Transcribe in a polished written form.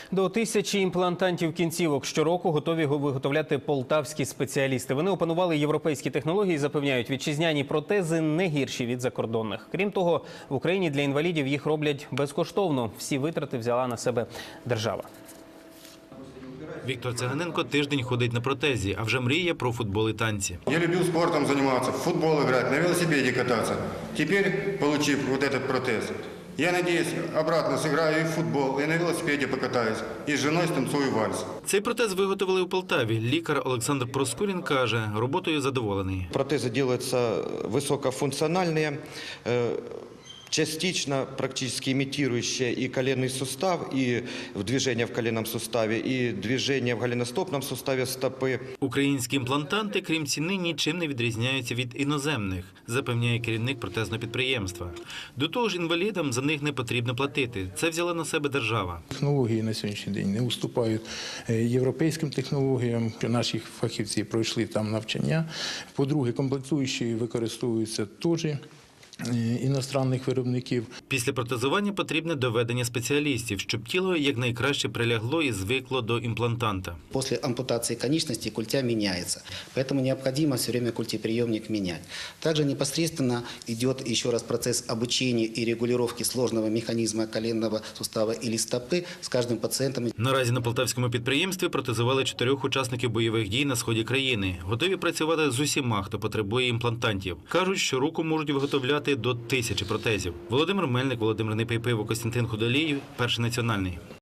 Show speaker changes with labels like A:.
A: До 1000 імплантантів кінцівок щороку готові виготовляти полтавські спеціалісти. Вони опанували європейські технології і запевняють, вітчизняні протези не гірші від закордонних. Крім того, в Україні для інвалідів їх роблять безкоштовно. Всі витрати взяла на себе держава.
B: Віктор Циганенко тиждень ходить на протезі, а вже мріє про футбол і танці.
C: Я любил спортом заниматься, в футбол играть, на велосипеде кататься. Теперь, получив вот этот протез, я надеюсь, обратно сыграю и в футбол, и на велосипеде покатаюсь, и с женой станцую вальс.
B: Цей протез виготовили у Полтаві. Лікар Олександр Проскурін каже, роботою задоволений.
D: Протезы делаются высокофункциональные, частично практически имитирующие и коленный сустав, и движение в коленном суставе, и движение в голеностопном суставе стопы.
B: Українські імплантанти, крім ціни, нічим не відрізняються від іноземних, запевняє керівник протезного підприємства. До того ж, інвалідам за них не потрібно платити. Це взяла на себе держава.
E: Технології на сьогоднішній день не уступають європейським технологіям. Наші фахівці пройшли там навчання. По-друге, комплектуючі використовуються теж іностранних виробників.
B: Після протезування потрібне доведення спеціалістів, щоб тіло якнайкраще прилягло і звикло до імплантанта.
F: После ампутации конечностей культя меняется, поэтому необходимо все время культеприемник менять. Также непосредственно идет еще раз процесс обучения и регулировки сложного механизма коленного сустава или стопы с каждым пациентом.
B: Наразі на полтавському підприємстві протезували 4 учасників бойових дій на сході країни. Готові працювати з усіма, хто потребує імплантантів. Кажуть, щороку можуть виготовляти до 1000 протезів. Володимир Мельник, Володимир Непейпиво, Костянтин Худолій, Перший національний.